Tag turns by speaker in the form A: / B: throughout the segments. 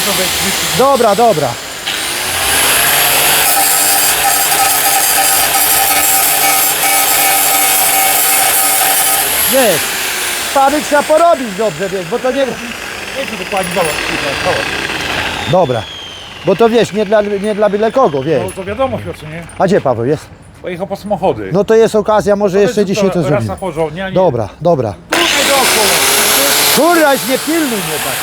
A: Dobra, dobra. Wiesz, Paweł trzeba porobić dobrze, wiesz, bo to nie... Dobra, bo to wiesz, nie dla byle kogo, wiesz.
B: No to wiadomo, Piotrze, nie?
A: A gdzie Paweł jest?
B: Pojechał po samochody.
A: No to jest okazja, może jeszcze dzisiaj to
B: raz
A: zrobimy.
B: na porządnie, a nie...
A: Dobra, dobra.
B: Tutaj dookoła.
A: Kurwa, nie pilnuj mnie tak.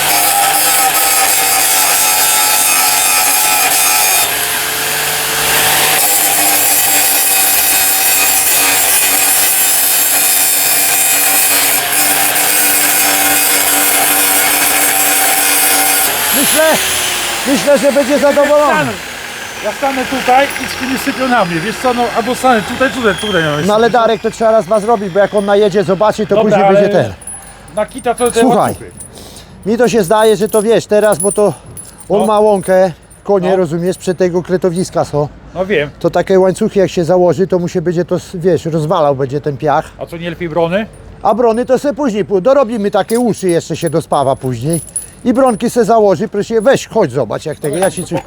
A: Myślę, że będzie zadowolony.
B: Ja stanę tutaj i z tymi sypią na mnie, wiesz co, no albo stanę tutaj.
A: No ale Darek to trzeba raz ma zrobić, bo jak on najedzie, zobaczy, to
B: dobra,
A: później będzie ten.
B: Na kita to te
A: Słuchaj,
B: łańcuchy.
A: mi to się zdaje, że to wiesz, teraz, bo to on
B: No.
A: ma łąkę, konie,
B: No.
A: rozumiesz, przy tego kretowiska są.
B: No wiem.
A: To takie łańcuchy jak się założy, to mu się będzie to, wiesz, rozwalał będzie ten piach.
B: A co, nie lepiej brony?
A: A brony to sobie później, dorobimy takie uszy, jeszcze się dospawa później. I bronki se założy, proszę, weź, chodź zobacz jak tego, ja ci coś...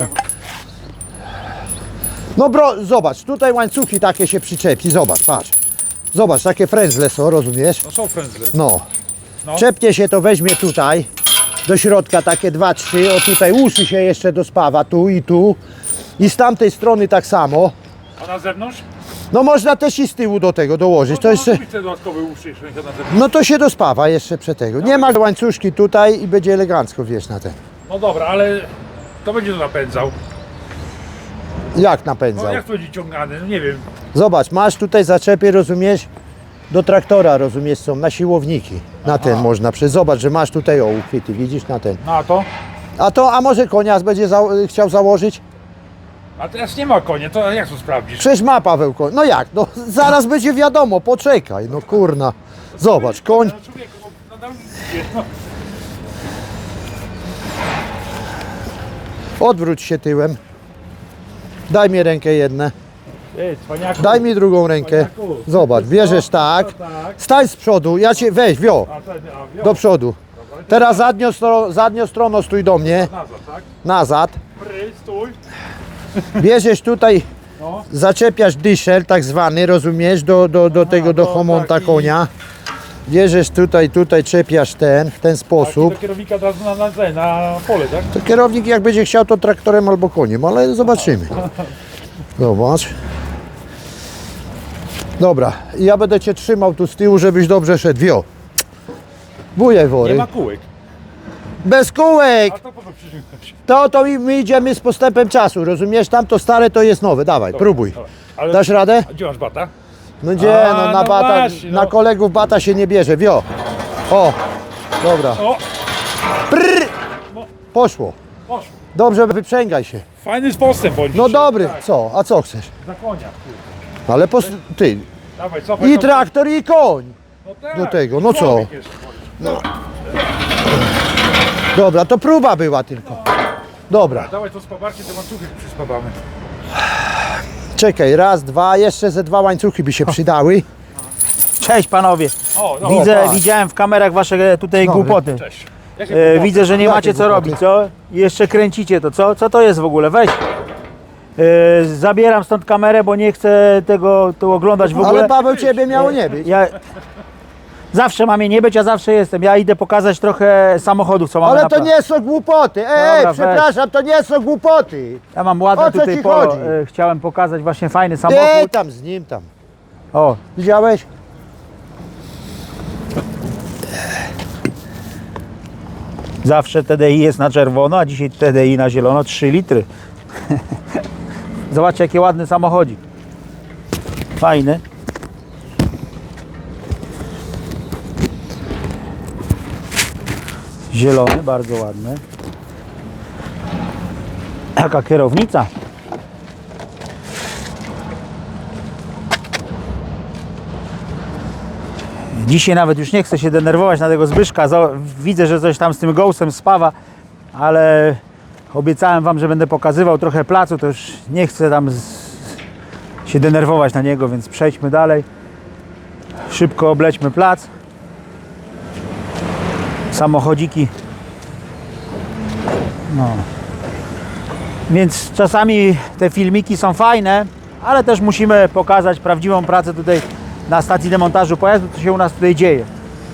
A: No zobacz, tutaj łańcuchy takie się przyczepi, zobacz, patrz. Zobacz, takie frędzle są, rozumiesz?
B: No są frędzle.
A: No.
B: No.
A: Czepnie się to weźmie tutaj, do środka takie 2-3, o tutaj uszy się jeszcze dospawa, tu i tu. I z tamtej strony tak samo.
B: A na zewnątrz?
A: No można też i z tyłu do tego dołożyć, to jeszcze...
B: Te dodatkowe uszy jeszcze na zewnątrz.
A: No to się dospawa jeszcze przed tego. Nie ma łańcuszki tutaj i będzie elegancko, wiesz, na ten.
B: No dobra, ale to będzie to napędzał.
A: Jak
B: No
A: napędzał?
B: jak to będzie ciągany? No nie wiem.
A: Zobacz, masz tutaj zaczepy, rozumiesz? Do traktora, rozumiesz, są na siłowniki. Na ten można zobacz, że masz tutaj uchwyty, widzisz, na ten.
B: No a to?
A: A może konias będzie chciał założyć?
B: A teraz nie ma konia, to jak to sprawdzisz?
A: Przecież ma Paweł koń. No jak? No zaraz będzie wiadomo, poczekaj, no kurna. Zobacz, koń.
B: No człowieku, no nadal nic, no.
A: Odwróć się tyłem. Daj mi rękę jedną.
B: Ej, cwaniaku.
A: Daj mi drugą rękę. Zobacz, bierzesz tak. Stań z przodu, ja cię weź, wio. Do przodu. Teraz zadnią stroną stój do mnie.
B: Nazad, tak?
A: Nazad.
B: Stój.
A: Bierzesz tutaj,
B: No.
A: zaczepiasz dyszel tak zwany, rozumiesz, do tego, do homonta
B: taki-
A: konia. Bierzesz tutaj czepiasz w ten sposób.
B: Do kierownika od razu na pole, tak?
A: To kierownik jak będzie chciał, to traktorem albo koniem, ale zobaczymy. Zobacz. Dobra, ja będę cię trzymał tu z tyłu, żebyś dobrze szedł. Wio. Bujaj
B: Nie
A: wory.
B: ma kółek.
A: Bez kółek!
B: A to po co przyciągnąć?
A: To my idziemy z postępem czasu, rozumiesz? Tamto stare to jest nowe, dawaj, próbuj.
B: Dobra. Ale
A: Dasz radę?
B: a gdzie masz bata?
A: No gdzie,
B: A,
A: no na
B: no
A: bata,
B: właśnie, no.
A: na kolegów bata się nie bierze, wio. O, dobra.
B: O,
A: Prrr. Poszło.
B: poszło.
A: Dobrze, wyprzęgaj się.
B: Fajny postęp bądź.
A: No
B: dzisiaj.
A: dobry,
B: Tak,
A: co? A co chcesz?
B: za konia. Kurde.
A: Ale ty,
B: Dawaj, cofaj.
A: i
B: cofaj.
A: traktor i koń.
B: No tak,
A: do tego, no co?
B: człowiek jeszcze.
A: Dobra, to próba była tylko. Dobra,
B: Dawaj to spawarcie, te łańcuchy przyspawamy.
A: czekaj, 2, jeszcze ze 2 łańcuchy by się przydały.
C: Cześć panowie.
B: O, no.
A: patrz.
C: Widziałem w kamerach wasze tutaj
A: Dobry.
C: głupoty.
B: Cześć. Jakie
C: Widzę, że nie
A: Jakie
C: macie co
A: głupoty?
C: robić, co? I jeszcze kręcicie to, co? Co to jest w ogóle? Weź. Zabieram stąd kamerę, bo nie chcę tego tu oglądać w ogóle.
A: Ale Paweł, ciebie miało nie być.
C: Ja zawsze mam je nie być, ja zawsze jestem. Ja idę pokazać trochę samochodów, co mamy
A: Ale
C: na
A: to nie są głupoty.
C: Dobra, weź.
A: Przepraszam, to nie są głupoty.
C: Ja mam
A: O
C: ładny
A: co
C: tutaj
A: ci
C: polo.
A: chodzi?
C: Chciałem pokazać właśnie fajny
A: Ty
C: samochód.
A: tam z nim tam.
C: O,
A: Widziałeś?
C: zawsze TDI jest na czerwono, a dzisiaj TDI na zielono, 3 litry. Zobaczcie, jaki ładny samochodzik. Fajny. Zielony, bardzo ładny. Jaka kierownica. Dzisiaj nawet już nie chcę się denerwować na tego Zbyszka. Widzę, że coś tam z tym Ghostem spawa, ale obiecałem wam, że będę pokazywał trochę placu, to już nie chcę tam się denerwować na niego, więc przejdźmy dalej. Szybko oblećmy plac. Samochodziki No. Więc czasami te filmiki są fajne, ale też musimy pokazać prawdziwą pracę tutaj na stacji demontażu pojazdu, co się u nas tutaj dzieje.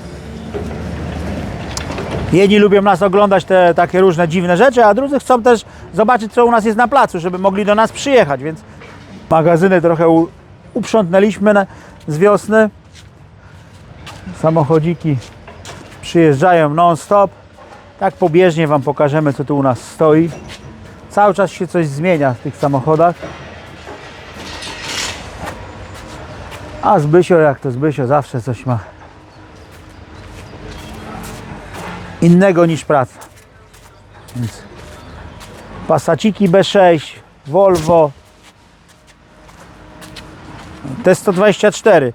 C: Jedni lubią nas oglądać te takie różne dziwne rzeczy, a drudzy chcą też zobaczyć, co u nas jest na placu, żeby mogli do nas przyjechać, więc magazyny trochę uprzątnęliśmy z wiosny. Samochodziki przyjeżdżają non-stop. Tak pobieżnie Wam pokażemy, co tu u nas stoi. Cały czas się coś zmienia w tych samochodach. A Zbysio, jak to Zbysio, zawsze coś ma innego niż praca. Więc Passaciki B6, Volvo, T124,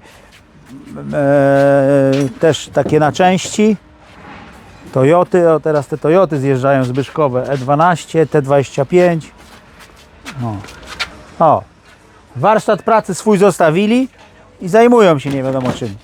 C: też takie na części. Toyoty, o teraz te Toyoty zjeżdżają zbyszkowe, E12, T25. O, warsztat pracy swój zostawili i zajmują się nie wiadomo czym.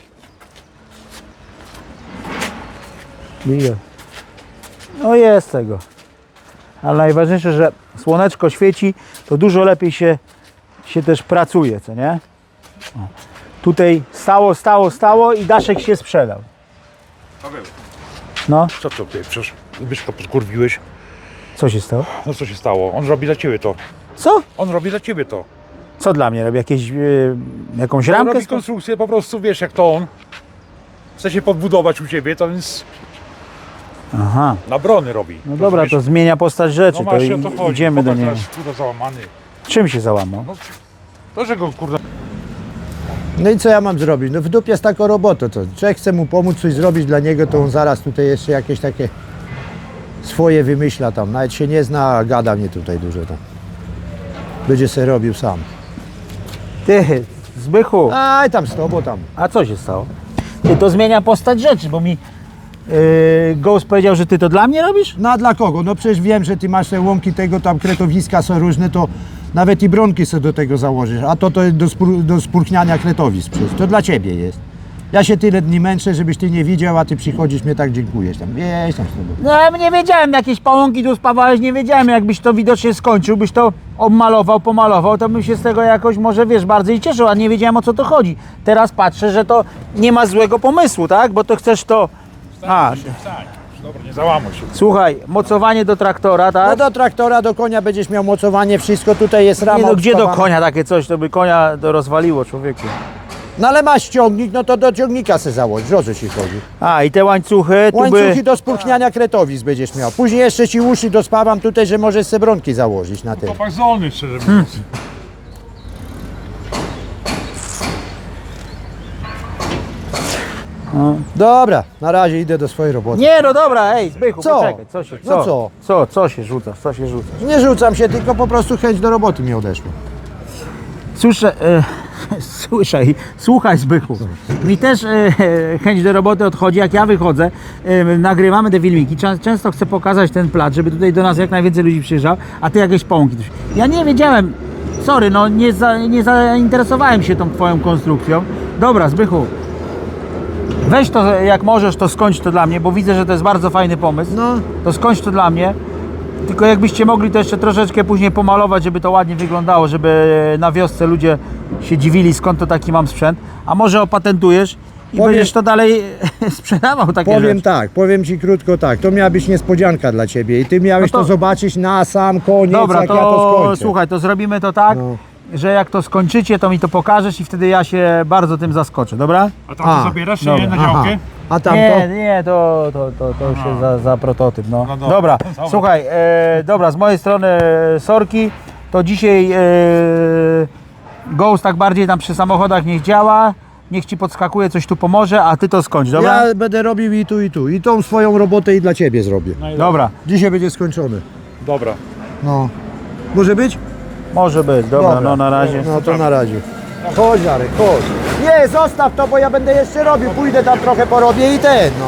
C: No jest tego. Ale najważniejsze, że słoneczko świeci, to dużo lepiej się też pracuje, co nie? O. Tutaj stało i daszek się sprzedał.
B: Paweł,
C: No,
B: co to ty? Przecież Zbyszka podkurwiłeś.
C: co się stało?
B: No co się stało? On robi dla ciebie to.
C: Co?
B: On robi dla ciebie to.
C: Co dla mnie? Robi jakąś
B: On
C: ramkę?
B: robi konstrukcję, po prostu wiesz jak to on. Chce się podbudować u ciebie, to więc
C: Aha.
B: na brony robi.
C: No dobra, to zmienia postać rzeczy,
B: no
C: to
B: właśnie o to chodzi.
C: idziemy do
B: Popatrz,
C: niego.
B: teraz, Kurde załamany.
C: Czym się załamał?
B: No, to, że go kurde...
A: No i co ja mam zrobić? No w dupie z taką robotą, to człowiek chce mu pomóc coś zrobić dla niego, to on zaraz tutaj jeszcze jakieś takie swoje wymyśla tam. Nawet się nie zna, a gada mnie tutaj dużo tam. Będzie se robił sam.
C: Ty, Zbychu,
A: Aj tam z tobą tam.
C: a co się stało? Ty, to zmienia postać rzeczy, bo mi Ghost powiedział, że ty to dla mnie robisz?
A: No a dla kogo? No przecież wiem, że ty masz te łąki tego, tam kretowiska są różne, to nawet i bronki sobie do tego założysz, a to do spórchniania kretowisk przecież. To dla ciebie jest. Ja się tyle dni męczę, żebyś ty nie widział, a ty przychodzisz, mnie tak dziękujesz tam. Wieś tam z tobą.
C: No ja nie wiedziałem, jakieś pałąki tu spawałeś, nie wiedziałem, jakbyś to widocznie skończył, byś to obmalował, pomalował, to bym się z tego jakoś może, wiesz, bardziej cieszył, a nie wiedziałem, o co to chodzi. Teraz patrzę, że to nie ma złego pomysłu, tak? Bo to chcesz to... A,
B: Wstań. Dobra, nie załamuj się.
C: słuchaj, mocowanie do traktora,
A: No
C: tak?
A: do traktora, do konia będziesz miał mocowanie, wszystko tutaj jest rama.
C: Nie no, gdzie do
A: obspawana.
C: konia takie coś, to by konia to rozwaliło, człowieku.
A: No ale masz ciągnik, no to do ciągnika se założysz, o co ci chodzi?
C: A, i te łańcuchy, tu
A: Łańcuchy
C: by...
A: do spórchniania kretowisk będziesz miał. Później jeszcze ci uszy dospawam tutaj, że możesz se bronki założyć na tym.
B: Chłopak zdolny, szczerze mówiąc.
A: Dobra, na razie idę do swojej roboty.
C: Nie, no dobra, ej, Zbychu,
A: Co?
C: poczekaj, co się...
A: No co?
C: Co się rzucasz, co się rzucasz?
A: Nie rzucam się, tylko po prostu chęć do roboty mi odeszła.
C: Słuchaj Zbychu, mi też chęć do roboty odchodzi, jak ja wychodzę, nagrywamy te filmiki, często chcę pokazać ten plac, żeby tutaj do nas jak najwięcej ludzi przyjeżdżał, a ty jakieś pąki. Ja nie wiedziałem, sorry, no nie zainteresowałem się tą twoją konstrukcją. Dobra Zbychu, weź to jak możesz, to skończ to dla mnie, bo widzę, że to jest bardzo fajny pomysł.
A: No.
C: To skończ to dla mnie. Tylko jakbyście mogli to jeszcze troszeczkę później pomalować, żeby to ładnie wyglądało, żeby na wiosce ludzie się dziwili, skąd to taki mam sprzęt. A może opatentujesz i będziesz to dalej sprzedawał takie
A: Powiem
C: rzeczy.
A: tak, powiem ci krótko tak, to miała być niespodzianka dla ciebie i ty miałeś
C: No to-
A: to zobaczyć na sam koniec,
C: Dobra,
A: jak ja to skończę.
C: słuchaj, to zrobimy to tak,
A: No.
C: że jak to skończycie, to mi to pokażesz i wtedy ja się bardzo tym zaskoczę, dobra?
B: A tam to
A: A,
B: zabierasz się
C: dobra.
B: na
A: Aha.
B: działkę?
A: A tam
C: Nie, to już jest za prototyp, no.
B: No
C: Dobra,
B: dobra.
C: słuchaj, dobra, z mojej strony sorki, to dzisiaj Ghost tak bardziej tam przy samochodach niech działa, niech ci podskakuje, coś tu pomoże, a ty to skończ, dobra?
A: Ja będę robił i tu, i tu. I tą swoją robotę i dla ciebie zrobię.
B: No i
C: Dobra,
A: Dzisiaj będzie skończony.
B: Dobra.
A: No. Może być?
C: może być, dobra, no na razie.
A: No to na razie. Chodź Jarek, chodź. Nie, zostaw to, bo ja będę jeszcze robił. Pójdę tam trochę porobię i ten, no.